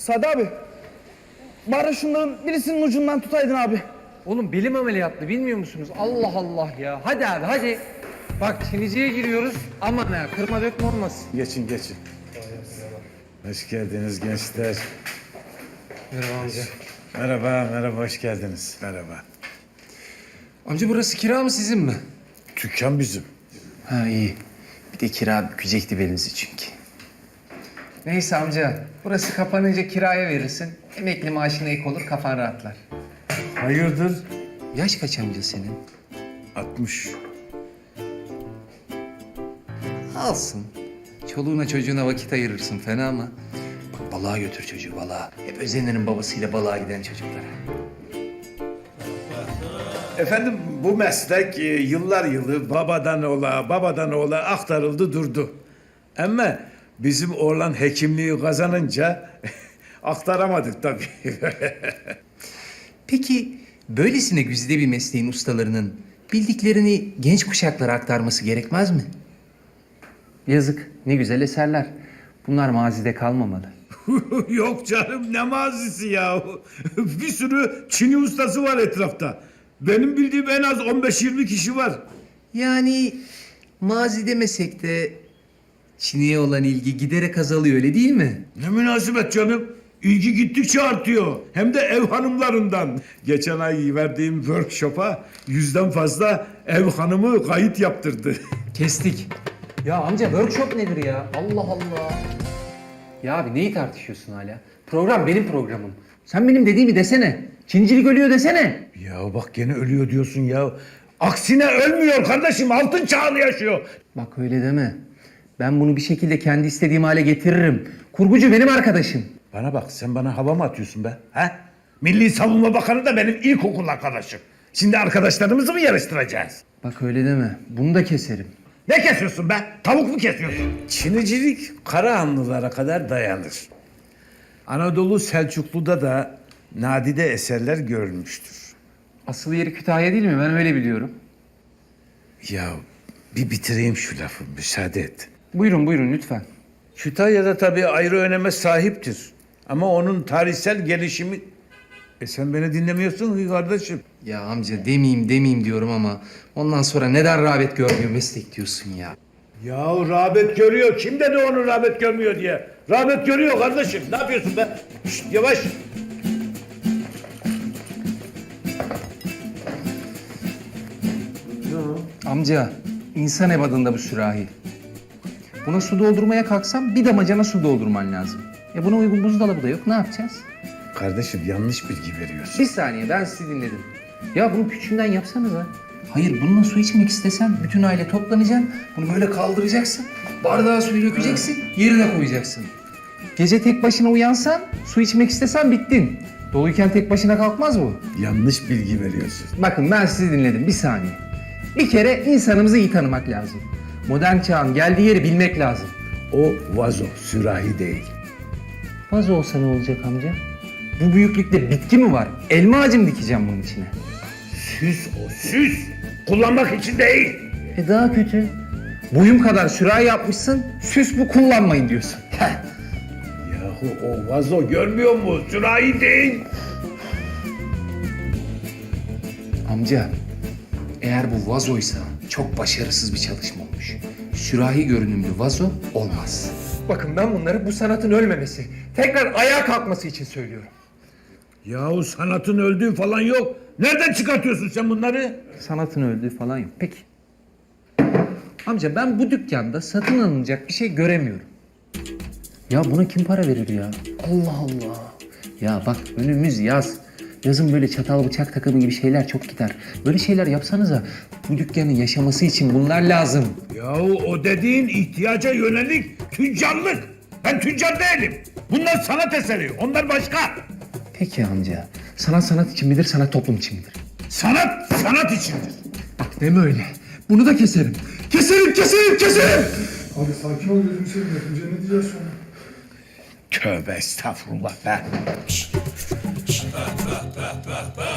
Sadi abi. Bari şunların birisinin ucundan tutaydın abi. Oğlum belim ameliyatlı bilmiyor musunuz? Allah Allah ya. Hadi abi hadi. Bak Çinici'ye giriyoruz. Aman ha kırma dökme olmasın. Geçin geçin. Hoş geldiniz gençler. Merhaba amca. Merhaba, hoş geldiniz. Merhaba. Amca burası kira mı sizin mi? Dükkan bizim. Ha iyi. Bir de kira bükecekti belinizi çünkü. Neyse amca. Burası kapanınca kiraya verirsin. Emekli maaşına ek olur kafan rahatlar. Hayırdır? Yaş kaç amca senin? 60. Alsın. Çoluğuna çocuğuna vakit ayırırsın fena mı? Bak balığa götür çocuğu balığa. Hep özenirim babasıyla balığa giden çocuklara. Efendim bu meslek yıllar yılı babadan oğula aktarıldı durdu. Ama bizim oğlan hekimliği kazanınca aktaramadık tabii. Peki böylesine güzide bir mesleğin ustalarının bildiklerini genç kuşaklara aktarması gerekmez mi? Yazık. Ne güzel eserler. Bunlar mazide kalmamalı. Yok canım ne mazisi ya. Bir sürü Çin'i ustası var etrafta. Benim bildiğim en az 15-20 kişi var. Yani mazi demesek de Çin'e olan ilgi giderek azalıyor öyle değil mi? Ne münasebet canım. İlgi gittikçe artıyor. Hem de ev hanımlarından. Geçen ay verdiğim workshop'a 100'den fazla ev hanımı kayıt yaptırdı. Kestik. Ya amca workshop nedir ya? Allah Allah. Ya abi neyi tartışıyorsun hala? Program benim programım. Sen benim dediğimi desene. Çincilik ölüyor desene. Ya bak gene ölüyor diyorsun ya. Aksine ölmüyor kardeşim. Altın çağını yaşıyor. Bak öyle deme. Ben bunu bir şekilde kendi istediğim hale getiririm. Kurgucu benim arkadaşım. Bana bak sen bana hava mı atıyorsun be? Ha? Milli Savunma Bakanı da benim ilkokul arkadaşım. Şimdi arkadaşlarımızı mı yarıştıracağız? Bak öyle deme. Bunu da keserim. Ne kesiyorsun be? Tavuk mu kesiyorsun? Çinicilik Karahanlılara kadar dayanır. Anadolu Selçuklu'da da nadide eserler görülmüştür. Asıl yeri Kütahya değil mi? Ben öyle biliyorum. Ya bir bitireyim şu lafı, müsaade et. Buyurun buyurun lütfen. Kütahya'da tabii ayrı öneme sahiptir. Ama onun tarihsel gelişimi... sen beni dinlemiyorsun ki kardeşim. Ya amca demeyeyim diyorum ama ondan sonra neden rağbet görmüyor meslek diyorsun ya. Ya rağbet görüyor. Kim dedi onu rağbet görmüyor diye? Rağbet görüyor kardeşim. Ne yapıyorsun be? Şşt, yavaş. Amca, insan ebadında bu sürahi. Buna su doldurmaya kalksam bir damacana su doldurman lazım. Buna uygun buzdolabı da yok. Ne yapacağız? Kardeşim yanlış bilgi veriyorsun. Bir saniye ben sizi dinledim. Ya bunu küçüğünden yapsanıza. Hayır bununla su içmek istesen bütün aile toplanacaksın. Bunu böyle kaldıracaksın. Bardağa suyu dökeceksin. Yerine koyacaksın. Gece tek başına uyansan su içmek istesen bittin. Doluyken tek başına kalkmaz bu. Yanlış bilgi veriyorsun. Bakın ben sizi dinledim bir saniye. Bir kere insanımızı iyi tanımak lazım. Modern çağın geldiği yeri bilmek lazım. O vazo, sürahi değil. Vazo olsa ne olacak amca? Bu büyüklükte bitki mi var? Elma ağacı mı dikeceğim bunun içine? Süs o, süs. Kullanmak için değil. Daha kötü. Boyum kadar sürahi yapmışsın, süs bu kullanmayın diyorsun. Yahu o vazo görmüyor mu? Sürahi değil. Amca eğer bu vazoysa çok başarısız bir çalışma olmuş. Sürahi görünümlü vazo olmaz. Bakın ben bunları bu sanatın ölmemesi, tekrar ayağa kalkması için söylüyorum. Yahu sanatın öldüğü falan yok. Nereden çıkartıyorsun sen bunları? Sanatın öldüğü falan yok. Peki. Amca ben bu dükkanda satın alınacak bir şey göremiyorum. Ya buna kim para verir ya? Allah Allah. Ya bak önümüz yaz. Yazın böyle çatal bıçak takımı gibi şeyler çok gider. Böyle şeyler yapsanıza. Bu dükkanın yaşaması için bunlar lazım. Yahu o dediğin ihtiyaca yönelik tüccarlık. Ben tüccar değilim. Bunlar sanat eseri. Onlar başka. Peki amca. Sanat sanat için midir, sanat toplum için midir? Sanat sanat içindir. Bak deme öyle. Bunu da keserim. Keserim. Abi sakin ol gözünü seveyim. Yapınca ne diyeceğiz sonra? Tövbe estağfurullah be.